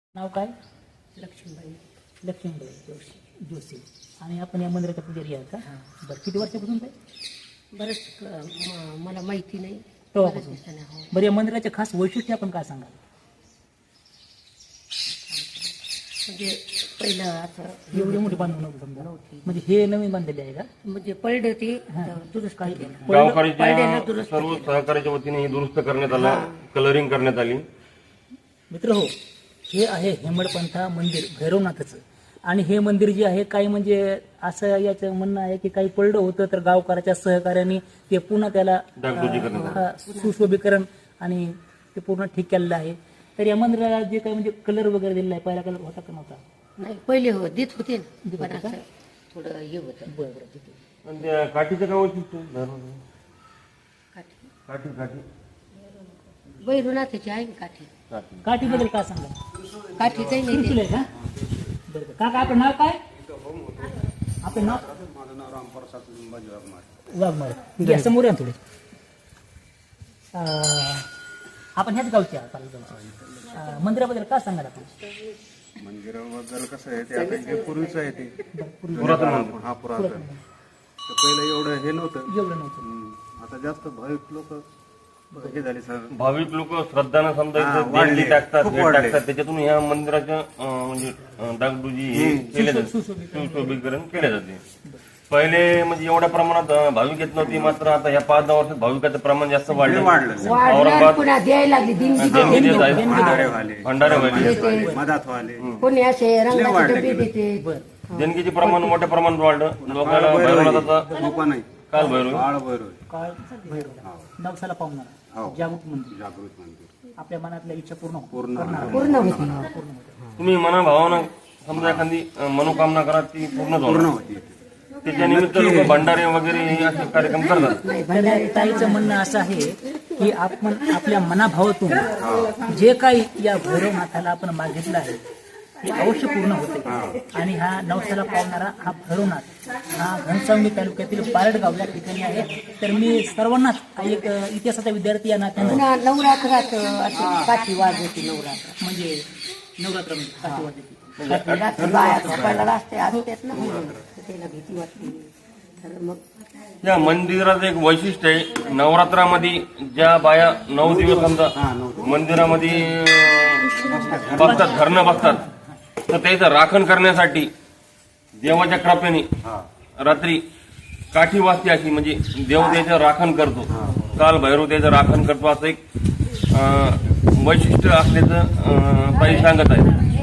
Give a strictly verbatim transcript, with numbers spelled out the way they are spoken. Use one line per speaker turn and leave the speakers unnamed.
नाव काय?
लक्ष्मीबाई
लक्ष्मीबाई जोशी जोशी आणि आपण या मंदिराच्या पुजारी आहात का? बरं, किती वर्षापासून काय?
बरंच अं, म- मला माहिती नाही.
तेव्हापासून.
बरंच दिवसाने, हो.
बरं, या मंदिराचे खास वैशिष्ट्य आपण काय सांगाल?
म्हणजे पहिलं असं
एवढी मोठी बांधून नव्हती समजा,
नव्हती.
म्हणजे हे नवीन बांधलेले आहे का?
म्हणजे पडलं ते
हा.
दुरुस्त
काही
केलं.
पडलं-
पडलेलं
गावकऱ्याच्या
दुरुस्त
सर्व
केलं.
सहकार्याच्या वतीने हे दुरुस्त करण्यात आलं, कलरिंग करण्यात आली.
मित्र हो, हे आहे हेमडपंथा मंदिर भैरवनाथाचं. आणि हे मंदिर जे आहे काही म्हणजे असं याचं म्हणणं आहे की काही पडलं होतं तर गावकऱ्याच्या सहकार्याने ते पुन्हा त्याला
डागडुजी करण्यात
अं, सुशोभीकरण आणि ते पूर्ण ठीक केलेलं आहे. तर या मंदिराला जे काही म्हणजे कलर वगैरे दिलेला आहे, पहिला कलर होता का नव्हता?
नाही पहिले हो देत होते ना,
देत
पण
होते का?
असं थोडं हे होतं.
बरं बरं, ठीक आहे.
आणि त्या काठीचं काय वैशिष्ट्य आहे? धरून.
काठी
काठी काठी
बैरुनाथाची आहे ना काठी.
काठी
काठीबद्दल काय सांगा?
काठी काही नाही
त्रिशूल
ते.
आहे का? बरं बरं. काका आपलं नाव काय? आपलं नाव वाघमारे. या समोर या थोडे. अं, आपण ह्याच गावचे आहात, पालघर गावचे. अं, मंदिराबद्दल काय सांगाल आपण?
मंदिराबद्दल कसं आहे ते आता जे पूर्वीचं आहे ते
पुरातन मंदिर.
हा पुरातन तर पहिलं एवढं हे नव्हतं.
एवढं नव्हतं.
हम्म. आता जास्त भाविक लोक हे झाले सर.
भाविक लोक श्रद्धानं समजा
हा,
इथं
वाढले.
देणगी टाकतात,
खूप
भेट
वाढले.
टाकतात. त्याच्यातून ह्या मंदिराच्या अं, म्हणजे अं, डागडुजी हे केले जाते, सुशोभीकरण केले जाते. पहिले म्हणजे एवढ्या प्रमाणात अं, भाविक येत नव्हती, मात्र आता ह्या पाच दहा वर्षात भाविकाचं प्रमाण जास्त वाढलं.
वाढलं.
वाढलं
औरंगाबाद
पुन्हा द्यायला लागली दिंडी.
देणगी देत आहेत.
भंडारे व्हाले
भंडारे व्हायले.
देते.
मधात व्हाले
कोणी असे रंगाचे
वाढले
डबे
गेले.
देते.
बरं.
देणगीचे प्रमाण मोठ्या प्रमाणात वाढलं. लोकांना भैरवनाथाचा
लोक नाही
काल भैरव
बाळ भैरव
काळ भैरव नवसाला पावणार
हो.
जागृत मंदिर.
जागृत मंदिर
आपल्या मनातल्या इच्छा पूर्ण हो-
पूर्ण
करणार.
पूर्ण होती.
पूर्ण होते.
तुम्ही मनाभावानं समजा एखादी अं, मनोकामना करा, ती पूर्ण
पूर्ण
होणार.
होती
त्याच्या निमित्त लोक भंडारे वगैरे हे असे कार्यक्रम करतात.
तर ताईचं म्हणणं असं आहे की आपण आपल्या मनाभावातून जे काही या भैरवनाथाला आपण मागितलं आहे ते अवश्य पूर्ण होते. आणि हा नवसाला पावणारा हा भैरवनाथ हा घनसावंगी तालुक्यातील पारडगाव या ठिकाणी आहे. तर मी सर्वांनाच एक इतिहासाचा विद्यार्थी या नात्यानं
पुन्हा नवरात्रात अशी काठी वाजवती. नवरात्र
म्हणजे नवरात्रामध्ये काठी वाजवते.
रात्री बाया झोपायला रस्ते असतात ना, तर त्याला भीती वाटते. तर मग
या मंदिराचं एक वैशिष्ट्य आहे, नवरात्रामध्ये ज्या बाया नऊ दिवस समजा मंदिरामध्ये अं, बसतात, धरणं बसतात, तर त्याचं राखण करण्यासाठी देवाच्या कृपेने रात्री काठी वाजते, अशी म्हणजे देव त्याचं राखण करतो. काल भैरव त्याचं राखण करतो, असं एक अं, वैशिष्ट्य असल्याचं अं, ताई सांगत आहे.